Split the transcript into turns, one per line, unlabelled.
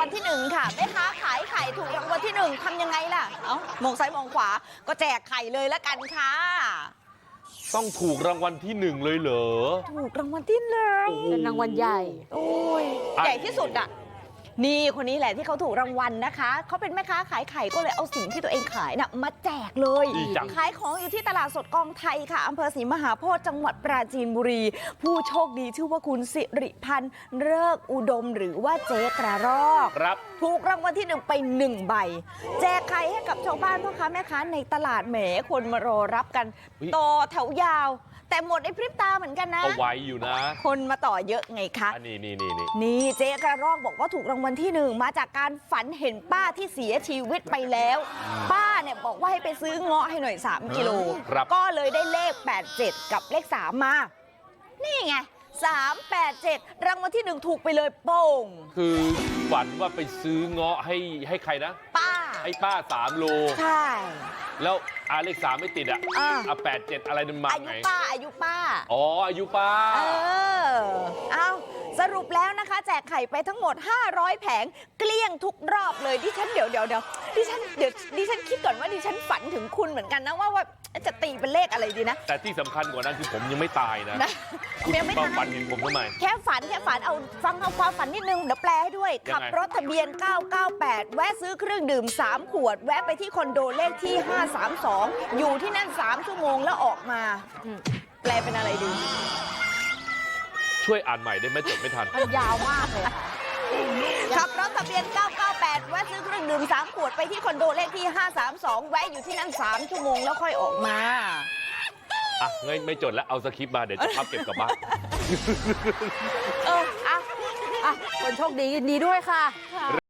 ลที่1ค่ะแม่ค้าขายไข่ถูกรางวัลที่1ทำยังไงล่ะมองซ้ายมองขวาก็แจกไข่เลยละกันค่ะ
ต้องถูกรางวัลที่1เลยเหรอ
ถูกรางวัลที่1
เป็นรางวัลใหญ่
โอ้ยใหญ่ที่สุดอ่ะนี่คนนี้แหละที่เขาถูกรางวัลนะคะเขาเป็นแม่ค้าขายไข่ก็เลยเอาสิ่งที่ตัวเองขายน่ะมาแจกเลยขายของอยู่ที่ตลาดสดกองไทยค่ะอำเภอศรีมหาโพธิ์จังหวัดปราจีนบุรีผู้โชคดีชื่อว่าคุณสิริพันธ์เลิกอุดมหรือว่าเจ๊กระรอก
ครับ
ถูกรางวัลที่1ไป1ใบแจกไข่ให้กับชาวบ้านพ่อค้าแม่ค้าในตลาดแหมคนมารอรับกันต่อแถวยาวแต่หมดในพริบตาเหมือนกันนะ
เอาไว้อยู่นะ
คนมาต่อเยอะไงคะนี่เจ๊กระรอกบอกว่าถูกรางวัลที่1มาจากการฝันเห็นป้าที่เสียชีวิตไปแล้วป้าเนี่ยบอกว่าให้ไปซื้อเงาะให้หน่อย3 กิโลก็เลยได้เลข87กับเลข3มานี่ไง387รางวัลที่1ถูกไปเลยโป่ง
คือฝันว่าไปซื้อเงาะให้ใครนะ
ป้า
ให้ป้า3 โล
ใช่
แล้วเลข3ไม่ติด87อะไรมันมาไง
อายุป้า
อ๋ออายุป้า
เอาสรุปแล้วนะคะแจกไข่ไปทั้งหมด500แผงเกลี้ยงทุกรอบเลยดิฉันเดี๋ยวดิฉันคิดก่อนว่าดิฉันฝันถึงคุณเหมือนกันนะว่าจะตีเป็นเลขอะไรดีนะ
แต่ที่สำคัญกว่านั้นคือผมยังไม่ตายนะคุณมาฝันเห็นผมทำไม
แค่ฝันเอาฟังความฝันนิดนึงเดี๋ยวแปลให้ด้วยขับรถทะเบียน998แวะซื้อเครื่องดื่ม3 ขวดแวะไปที่คอนโดเลขที่532อยู่ที่นั่น3 ชั่วโมงแล้วออกมาแปลเป็นอะไรดี
ช่วยอ่านใหม่ได้ไหมจดไม่ทัน
มันยาวมากเลย
ขับรถทะเบียน998แวะซื้อเครื่องดื่ม3 ขวดไปที่คอนโดเลขที่532แวะอยู่ที่นั่น3 ชั่วโมงแล้วค่อยออกมา
ไม่จดแล้วเอาสคริปต์มาเดี๋ยวจะพับเก็บกลับบ้าน
คนโชคดียินดีด้วยค่ะ